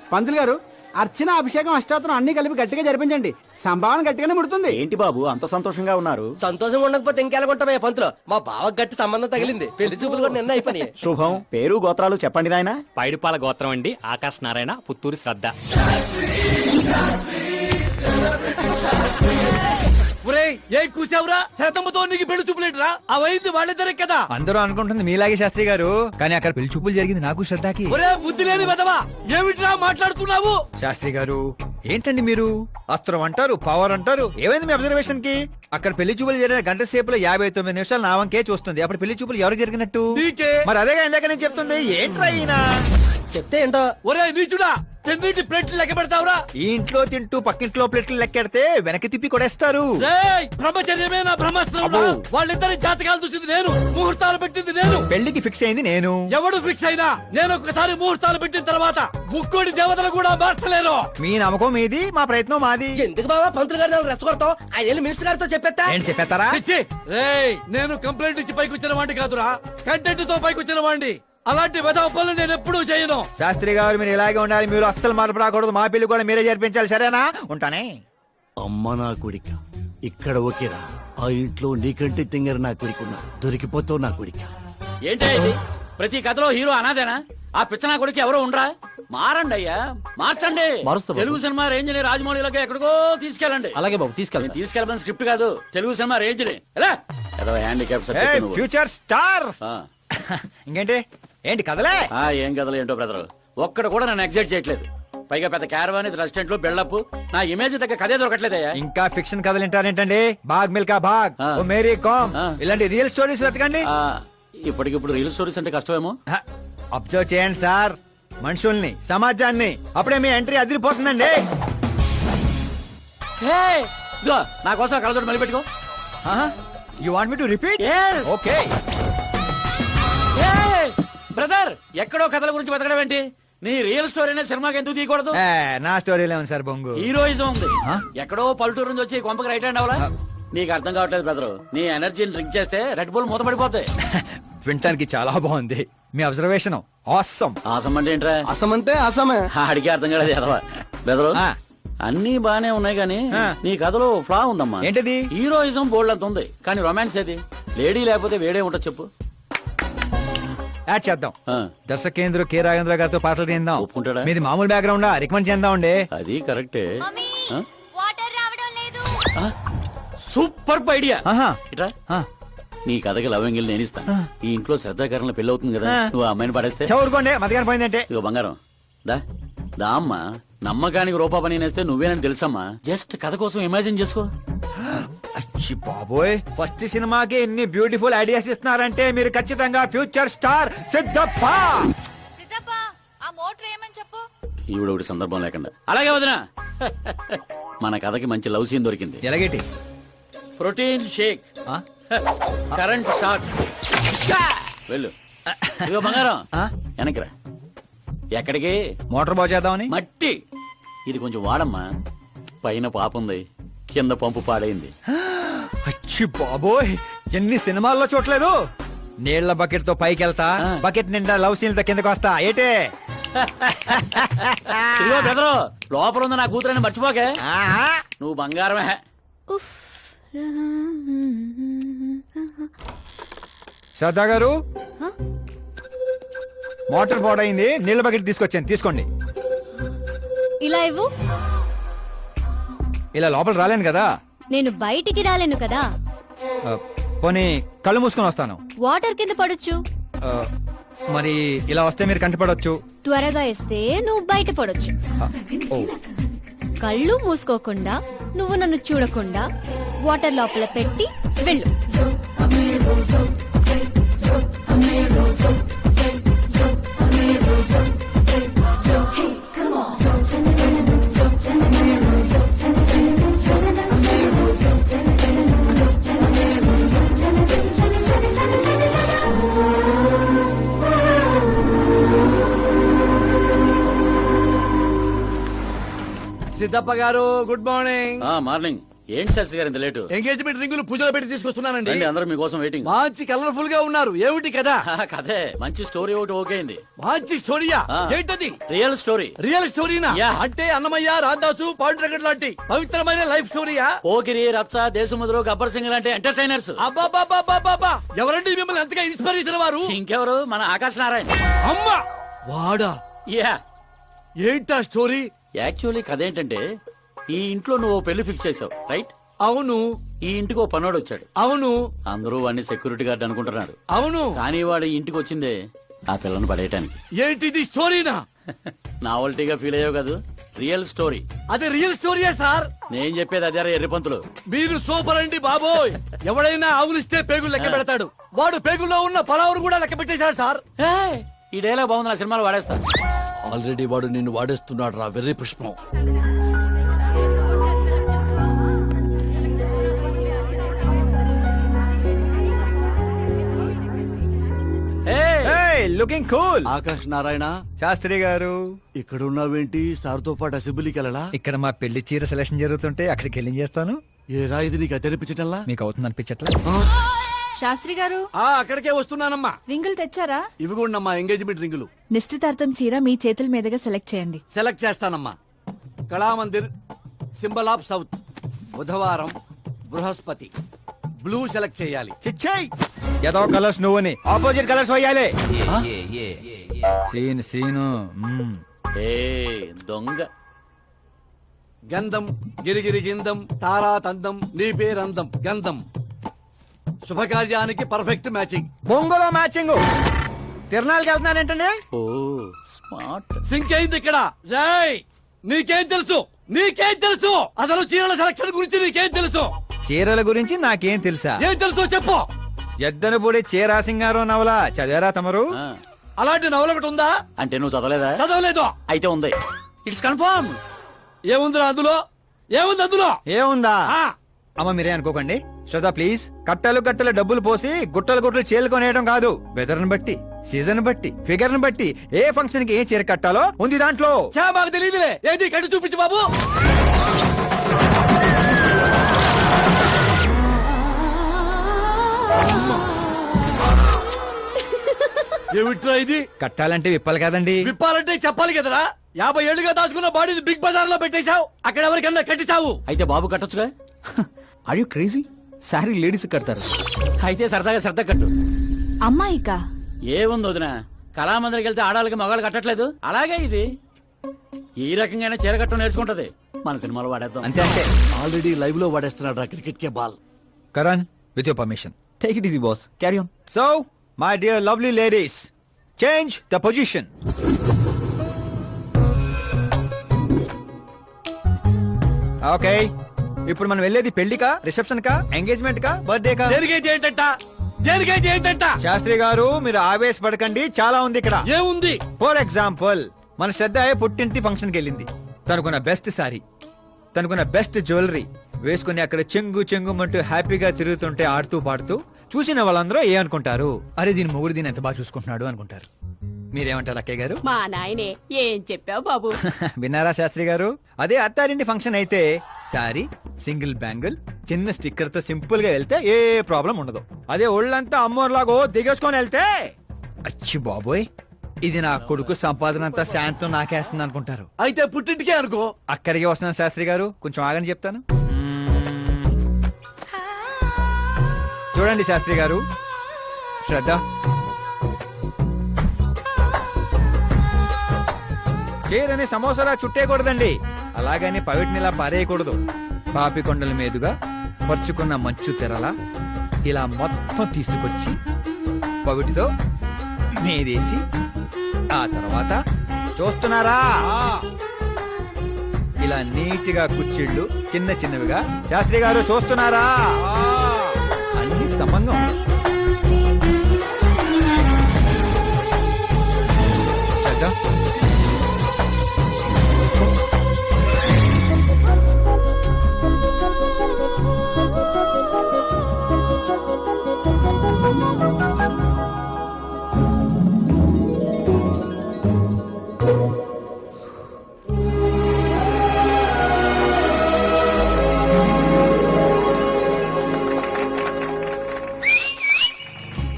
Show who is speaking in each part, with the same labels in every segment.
Speaker 1: పంతులు గారు అర్చన అభిషేకం అష్టాత్రం అన్ని కలిపి గట్టిగా జరిపించండి. సంభావన గట్టిగానే ముడుతుంది.
Speaker 2: ఏంటి బాబు అంత సంతోషంగా ఉన్నారు?
Speaker 3: సంతోషంగా ఉండకపోతే ఇంకెలాగుంటామయ్యా పంతులు. మా బావ గట్టి సంబంధం తగిలింది. పెళ్లి చూపులు కూడా నిన్న అయిపోయి.
Speaker 2: శుభం. పేరు గోత్రాలు చెప్పండి నాయనా.
Speaker 4: పైడిపాల గోత్రం అండి. ఆకాశ్ నారాయణ, పుత్తూరు శ్రద్ధ.
Speaker 3: ఏ కూసావురా? శతంతో నీకు పెళ్లి చూపులేట్రా? అవైంది వాళ్ళిద్దరే కదా.
Speaker 5: అందరూ అనుకుంటుంది మీలాగే శాస్త్రి గారు, కానీ అక్కడ పెళ్లి చూపులు జరిగింది నాకు శ్రద్ధకి.
Speaker 3: ఒరే బుద్ధి లేని వెదవా, ఏమిట్రా మాట్లాడుతున్నావు?
Speaker 5: శాస్త్రి గారు ఏంటండి మీరు? అస్త్రం అంటారు, పవర్ అంటారు. ఏమైంది మీ అబ్జర్వేషన్ కి? అక్కడ పెళ్లి చూపులు జరిగిన గంట సేపులో 59 నిమిషాలు నా వంకే చూస్తుంది. అప్పుడు పెళ్లి చూపులు ఎవరికి జరిగినట్టు? మరి అదేగా ఇందాక నేను చెప్తుంది. ఏంట్రా ఈయన
Speaker 3: చెప్తే ఏంటో. ఒరే నీచుడా, తెన్నింటి ప్లేట్లు లెక్క పెడతావురా?
Speaker 5: ఈ ఇంట్లో తింటూ పక్కింట్లో ప్లేట్లు లెక్కెడితే వెనక్కి తిప్పి కొడేస్తారు.
Speaker 3: బ్రహ్మచర్యమే నా బ్రహ్మాస్త్రం. వాళ్ళిద్దరి జాతకాలు చూసింది నేను, ముహూర్తాలు పెట్టింది నేను,
Speaker 5: పెళ్లికి ఫిక్స్ అయింది నేను.
Speaker 3: ఎవడు ఫిక్స్ అయినా నేను ఒక్కసారి ముహూర్తాలు పెట్టిన తర్వాత ముక్కోడి దేవతలు కూడా మార్చలేను.
Speaker 5: మీ నమ్మకం మీది, మా ప్రయత్నం మాది.
Speaker 3: ఎందుకు బాబా పంతులు గారిని రెచ్చగొడతావు? ఆయన మినిస్టర్ గారితో చెప్పేస్తా.
Speaker 5: ఏంటి చెప్పేస్తారా?
Speaker 3: నేను కంప్లైంట్ ఇచ్చి పైకి వచ్చిన వాడిని కాదురా, కంటెంట్ తో పైకి వచ్చిన వాడిని. అలాంటి వెధవ పనులు నేను ఎప్పుడూ చేయను.
Speaker 5: శాస్త్రి గారు మీరు ఇలాగే ఉండాలి. మీరు అస్సలు మార్పు రాకూడదు. మా పెళ్లి కూడా మీరే జరిపించాలి. సరేనా? ఉంటానే.
Speaker 6: అమ్మ నా కొడిక, ఇక్కడ ఓకేరా. ఆ ఇంట్లో నీకంటే తింగర నా కొడుకున్నా, దొరికిపోతావు నా కొడిక.
Speaker 7: ఏంటి ఇది? ప్రతి కథలో హీరో అనాదేనా? ఆ పిచ్చనా కొడుకు ఎవరో ఉండరా? మారండి అయ్యా, మార్చండి. తెలుగు సినిమా రేంజ్ ని రాజమౌళిలోకి ఎక్కడికో తీసుకెళ్ళండి.
Speaker 3: అలాగే బాబు తీసుకెళ్ళి.
Speaker 7: తీసుకెళ్ళమని స్క్రిప్ట్ కాదు, తెలుగు సినిమా రేంజ్ ని. Handicap
Speaker 5: future star. ఇంకేంటి? ఏంటి కదలే?
Speaker 7: ఏం కథలు ఏంటో బ్రదర్, ఒక్కడ కూడా నన్ను ఎగ్జైట్ చేయట్లేదు. పైగా పెద్ద క్యారవాన్, రెస్టారెంట్ లో బిల్డప్, నా ఇమేజ్ దగ్గర కథే దొరకట్లేదయ్యా.
Speaker 5: ఇంకా ఫిక్షన్ కథలు వింటారేంటండి? బాగ్ మిల్కా బాగ్, ఓ మేరీ కామ్, ఇలాంటి రియల్ స్టోరీస్ వెతకండి.
Speaker 7: ఇప్పటికిప్పుడు రీల్ స్టోరీస్ అంటే కష్టమేమో.
Speaker 5: అబ్జర్వ్ చేయండి సార్, మనుషుల్ని, సమాజాన్ని. అప్పుడే మీ ఎంట్రీ అదిరిపోతుందండి.
Speaker 7: నా కోసం కలదోడు మళ్ళీ పెట్టుకో.
Speaker 5: You want me to repeat? Okay.
Speaker 7: Brother, ఎక్కడో కథల గురించి బతకడం ఏంటి? నీ రియల్ స్టోరీనే సినిమాకి ఎందుకు తీయకూడదు?
Speaker 5: నా స్టోరీలో ఉంది సార్ బొంగు.
Speaker 7: హీరోయిజం ఉంది. ఎక్కడో పల్లెటూరు నుంచి వచ్చి కొంపకి రైట్ హ్యాండ్ అవలా? నీకు అర్థం కావట్లేదు బ్రదర్. నీ ఎనర్జీని డ్రింక్ చేస్తే రెడ్ బుల్ మూతపడిపోతాయి.
Speaker 5: వినటానికి చాలా బాగుంది మీ అబ్జర్వేషన్. ఆసమ్.
Speaker 7: ఆసం అంటే ఏంట్రా?
Speaker 6: అసం అంటే అసమే.
Speaker 7: అడిగి అర్థం కాలేదు ఎదవా. బెదరు అన్ని బానే ఉన్నాయి కానీ నీ కథలో ఫ్లా ఉందమ్మా.
Speaker 5: ఏంటది?
Speaker 7: హీరోయిజం బోల్డ్ అంత ఉంది కానీ రొమాన్స్ ఏది? లేడీ లేకపోతే వేడే ఉంటది చెప్పు.
Speaker 5: యాడ్ చేద్దాం. దర్శకేంద్ర కె రాఘవేంద్ర గారితో పాటలు తీద్దాం.
Speaker 7: ఒప్పుకుంటాడా?
Speaker 5: మీది మామూలు బ్యాక్గ్రౌండ్ రికమెండ్ చేద్దాం అండి.
Speaker 7: అది కరెక్టే.
Speaker 8: వాటర్ రావడం లేదు.
Speaker 7: Super idea. ఇట్రా,
Speaker 5: ఆ.
Speaker 7: నీ కథకి లవ్ ఎంగిల్ నేను ఇస్తాను. ఈ ఇంట్లో శ్రద్ధాకరణ పెళ్లి అవుతుంది కదా, నువ్వు ఆ అమ్మాయిని పడేస్తే.
Speaker 5: చదువుకోండి, మతగాని పోయిందంటే.
Speaker 7: ఇగో బంగారం, దా దా అమ్మా. నమ్మకానికి రూపా పని నేస్తే నువ్వేనని తెలుసమ్మా. జస్ట్ కథ కోసం ఇమాజిన్ చేసుకో.
Speaker 5: అచ్చి బాబోయ్, ఫస్ట్ సినిమాకి ఎన్ని బ్యూటిఫుల్ ఐడియాస్ ఇస్తున్నారంటే మీరు ఖచ్చితంగా ఫ్యూచర్ స్టార్ సిద్ధప్ప.
Speaker 8: సిద్ధప్ప, ఆ మోటర్ ఏమని చెప్పు.
Speaker 7: ఈవిడ ఒకటి సందర్భం లేకుండా. అలాగే వదినా, మన కథకి మంచి లవ్ సీన్ దొరికింది.
Speaker 5: ఎలాగేటి?
Speaker 7: Protein shake, current shock. వెళ్ళు. ఇగో బంగారం, వెనక్కిరా. ఎక్కడికి?
Speaker 5: మోటార్ బాగు చేద్దామని.
Speaker 7: మట్టి ఇది కొంచెం వాడమ్మా. పైన పాపుంది, కింద పంపు పాడైంది.
Speaker 5: అచ్చి బాబోయ్, ఎన్ని సినిమాల్లో చూడలేదు. నీళ్ల బకెట్ తో పైకి వెళ్తా, బకెట్ నిండా లవ్ సీన్ తో కిందకి వస్తా. ఏటే?
Speaker 7: ఇదిగో బెదరు, లోపల ఉంది నా కూతురని మర్చిపోకే. నువ్వు బంగారమే.
Speaker 5: శ్రద్ధా గారు, మోటార్ పాడైంది, నీళ్ల బకెట్ తీసుకొచ్చాను, తీసుకోండి.
Speaker 8: ఇలా ఇవ్వు.
Speaker 5: ఇలా లోపల రాలేను కదా.
Speaker 8: నేను బయటికి రాలేను కదా.
Speaker 5: పోనీ కళ్ళు మూసుకొని వస్తాను.
Speaker 8: వాటర్ కింద పడొచ్చు.
Speaker 5: మరి ఇలా వస్తే మీరు కంటపడవచ్చు.
Speaker 8: త్వరగా ఇస్తే నువ్వు బయట పడొచ్చు. కళ్ళు మూసుకోకుండా, నువ్వు నన్ను చూడకుండా వాటర్ లోపల పెట్టి వెళ్ళు.
Speaker 3: సిద్ధప్ప గారు, గుడ్ మార్నింగ్.
Speaker 7: మార్నింగ్. ఏంటి శాస్త్రి గారు ఇంత లేటు?
Speaker 3: ఎంగేజ్మెంట్ రింగులు పూజలు పెట్టి తీసుకొస్తున్నానండి.
Speaker 7: రండి, అందరూ మీకోసం వెయిటింగ్.
Speaker 3: మంచి కలర్ఫుల్ గా ఉన్నారు. ఏమిటి కదా?
Speaker 7: కదే మంచి స్టోరీ ఒకటి ఓకే అయింది.
Speaker 3: మంచి స్టోరీయా?
Speaker 7: ఆ.
Speaker 3: ఏంటది?
Speaker 7: Real story.
Speaker 3: రియల్ స్టోరీనా?
Speaker 7: యా.
Speaker 3: అంటే అన్నమయ్య, రాధాసు, పాండురంగడ్ లాంటి పవిత్రమైన లైఫ్ స్టోరీయా?
Speaker 7: పోకిరి, రచ్చ, దేశముద్రు, గబ్బర్ సింగ్ లాంటి ఎంటర్టైనర్స్.
Speaker 3: అబ్బాబాబాబాబా, ఎవరండి మిమ్మల్ని ఎంతగా ఇన్స్పైర్ చేసిన వారు?
Speaker 7: ఇంకెవరు, మన ఆకాశ్ నారాయణ.
Speaker 3: అమ్మా వాడా?
Speaker 7: యా.
Speaker 3: ఏంటా స్టోరీ?
Speaker 7: యాక్చువల్లీ కథ ఏంటంటే, ఈ ఇంట్లో నువ్వు ఓ పెళ్లి ఫిక్స్ చేసావు, రైట్?
Speaker 3: అవును
Speaker 7: ఈ ఇంటికి ఓ పనోడు వచ్చాడు.
Speaker 3: అవును
Speaker 7: అందరూ వాడిని సెక్యూరిటీ గార్డ్ అనుకుంటున్నారు.
Speaker 3: అవును.
Speaker 7: కానీ వాడు ఈ ఇంటికి వచ్చిందే ఆ పిల్లను పడేయటానికి.
Speaker 3: ఏంటిది స్టోరీనా?
Speaker 7: నావల్టీగా ఫీల్ అయ్యావు కదా, రియల్ స్టోరీ.
Speaker 3: అది రియల్ స్టోరీయా సార్?
Speaker 7: నేను చెప్పేది అదే ఎర్రిపంతులు.
Speaker 3: మీరు సూపర్ అండి బాబోయ్. ఎవడైనా ఆవులిస్తే పేగులు లెక్క పెడతాడు. వాడు పేగుల్లో ఉన్న పలావురు కూడా లెక్క పెట్టేశాడు సార్.
Speaker 7: ఏయ్, ఈ డైలాగ్ బాగుంది, నా సినిమాలో వాడేస్తా.
Speaker 3: ఆల్రెడీ వాడు నిన్ను వాడేస్తున్నాడు రా వెర్రి పుష్పం.
Speaker 5: Looking cool.
Speaker 6: ఆకాష్ నారాయణ,
Speaker 5: శాస్త్రి గారు
Speaker 6: ఇక్కడ ఉన్నావేంటి? సార్తో పాటు అసెంబ్లీకి వెళ్ళలా?
Speaker 5: ఇక్కడ మా పెళ్లి చీర సెలక్షన్ జరుగుతుంటే అక్కడికి వెళ్ళి చేస్తాను.
Speaker 6: ఏ రా ఇది నీకు తెరిపించటల్లా?
Speaker 5: మీకు అవుతుంది అనిపించట్లా?
Speaker 9: శాస్త్రి గారు
Speaker 3: అక్కడికే వస్తున్నానమ్మా.
Speaker 9: రింగులు తెచ్చారా?
Speaker 3: ఇవి కూడా మా ఎంగేజ్మెంట్ రింగులు.
Speaker 9: నిశ్చితార్థం చీర మీ చేతుల మీదుగా సెలెక్ట్ చేయండి.
Speaker 3: సెలెక్ట్ చేస్తానమ్మా. కళామందిర్, సింబల్ ఆఫ్ సౌత్, బుధవారం, బృహస్పతి. బ్లూ సెలెక్ట్ చేయాలి.
Speaker 5: చిచ్చాయి ఏదో కలర్స్ నువ్వుని ఆపోజిట్ కలర్స్ వేయాలి. Scene scene.
Speaker 7: ఏ దొంగ.
Speaker 3: గంధం, గిరిగిరి గిందం, తారా తందం, నీ పేరందం, గంధం. శుభకార్యానికి పర్ఫెక్ట్ మ్యాచింగ్.
Speaker 5: బొంగులో మ్యాచింగ్. తిరణాలకి వెళ్తున్నారేంటండి?
Speaker 7: ఓ స్మార్ట్.
Speaker 3: సింక్ అయింది ఇక్కడ. జై, నీకేం తెలుసు? నీకేం తెలుసు? అసలు చీరల సెలక్షన్ గురించి నీకేం తెలుసు?
Speaker 5: చీరల గురించి నాకేం తెలుసా?
Speaker 3: ఏం తెలుసు చెప్పు.
Speaker 5: ఎద్దను పొడి చీరా సింగారో నవల చదివారా తమరు?
Speaker 7: ఆ,
Speaker 3: అలాంటి నవల ఒకటి ఉందా?
Speaker 7: అంటే నువ్వు చదవలేదా?
Speaker 3: చదవలేదు.
Speaker 7: అయితే ఉంది. It's confirm.
Speaker 3: ఏముందిరా అందులో? ఏముంది అందులో?
Speaker 5: ఏముందా?
Speaker 3: ఆ,
Speaker 5: అమ్మ మీరే అనుకోకండి. శ్రద్ధ ప్లీజ్. కట్టలు కట్టలు డబ్బులు పోసి గుట్టలు గుట్టలు చీరలు కొనేయడం కాదు. వెదర్ ని బట్టి, సీజన్ బట్టి, ఫిగర్ ని బట్టి ఏ ఫంక్షన్ కి ఏ చీర కట్టాలో ఉంది దాంట్లో.
Speaker 3: చా మాకు తెలియదులే. ఏది కట్టి చూపించు బాబు. ఏమిట్రా ఇది?
Speaker 5: కట్టాలంటే విప్పాలి కదండి.
Speaker 3: విప్పాలంటే చెప్పాలి కదరా. 50 ఏళ్లుగా దాచుకున్న బాడీని బిగ్ బజార్ లో పెట్టేశావు. అక్కడ ఎవరికన్నా కట్టించావు.
Speaker 7: అయితే బాబు కట్టొచ్చుగా.
Speaker 2: Are you crazy? Sorry ladies కడతారు.
Speaker 7: అయితే సరదాగా శ్రద్ధ కట్టు.
Speaker 9: అమ్మాయికా?
Speaker 7: ఏముంది వదిన, కళామందిరికి వెళ్తే ఆడాలకి మగాళ్ళు కట్టట్లేదు, అలాగే ఇది ఈ రకంగానే చీర కట్టడం నేర్చుకుంటది. మన సినిమాలో వాడేద్దాం.
Speaker 5: అంతే అంటే.
Speaker 6: ఆల్రెడీ లైవ్ లో వాడేస్తున్నాడు రా క్రికెట్ కే ball.
Speaker 5: Karan with your permission.
Speaker 2: Take it easy boss, carry on.
Speaker 5: So my dear lovely ladies, change the position. Okay, ఇప్పుడు మనం వెళ్ళేది పెళ్లికా, రిసెప్షన్ కా, ఎంగేజ్మెంట్ కా, బర్త్డే కా?
Speaker 3: దేనికైతే ఏంటంట? దేనికైతే ఏంటంట?
Speaker 5: శాస్త్రి గారు మీరు ఆవేశపడకండి, చాలా ఉంది ఇక్కడ.
Speaker 3: ఏముంది?
Speaker 5: ఫర్ ఎగ్జాంపుల్, మన శ్రద్ధ పుట్టింటి ఫంక్షన్ కి వెళ్ళింది. తనకున్న బెస్ట్ సారీ, తనకున్న బెస్ట్ జ్యువెలరీ వేసుకుని అక్కడ చెంగు చెంగుమంటూ హ్యాపీగా తిరుగుతుంటే ఆడుతూ పాడుతూ చూసిన వాళ్ళందరూ ఏ అనుకుంటారు? అరే దీని మొగుడు దీని ఎంత బాగా చూసుకుంటున్నాడు అనుకుంటారు. మీరేమంటారు అక్కయ్య గారు?
Speaker 10: మా నాయనే ఏం చెప్పావు బాబు.
Speaker 5: విన్నారా శాస్త్రి గారు? అదే అత్తారింటి ఫంక్షన్ అయితే సారీ, సింగిల్ బ్యాంగిల్, చిన్న స్టిక్కర్ తో సింపుల్ గా వెళ్తే ఏ ప్రాబ్లం ఉండదు. అదే ఒళ్ళంతా అమ్మోర్లాగో దిగేసుకొని వెళ్తే అచ్చి బాబోయ్ ఇది నా కొడుకు సంపాదన అంతా శాంతం నాకేస్తుంది అనుకుంటారు.
Speaker 3: అయితే పుట్టింటికే అనుకో.
Speaker 5: అక్కడికి వస్తున్నాను శాస్త్రి గారు, కొంచెం ఆగని చెప్తాను. చూడండి శాస్త్రి గారు, శ్రద్ధ, చీరని సమోసాలా చుట్టేయకూడదండి, అలాగని పవిటినిలా పారేయకూడదు. పాపికొండల మీదుగా పరుచుకున్న మంచు తెరలా ఇలా మొత్తం తీసుకొచ్చి పవిటితో మీదేసి ఆ తర్వాత చూస్తున్నారా ఇలా నీటిగా కుచ్చిళ్ళు చిన్న చిన్నవిగా. శాస్త్రి గారు చూస్తున్నారా? అన్ని సమంగా ఉన్నాయి.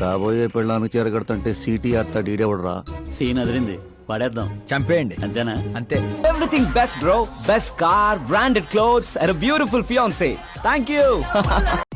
Speaker 6: కాబోయే పెళ్ళానికి చేరగడుతుంటే సీటీ అత్త డీడెవడరా
Speaker 7: సీన్ అదిరింది పడేద్దాం
Speaker 5: చంపేయండి
Speaker 7: అంతేనా
Speaker 5: అంతే.
Speaker 2: Everything best bro best car branded clothes and beautiful fiancee thank you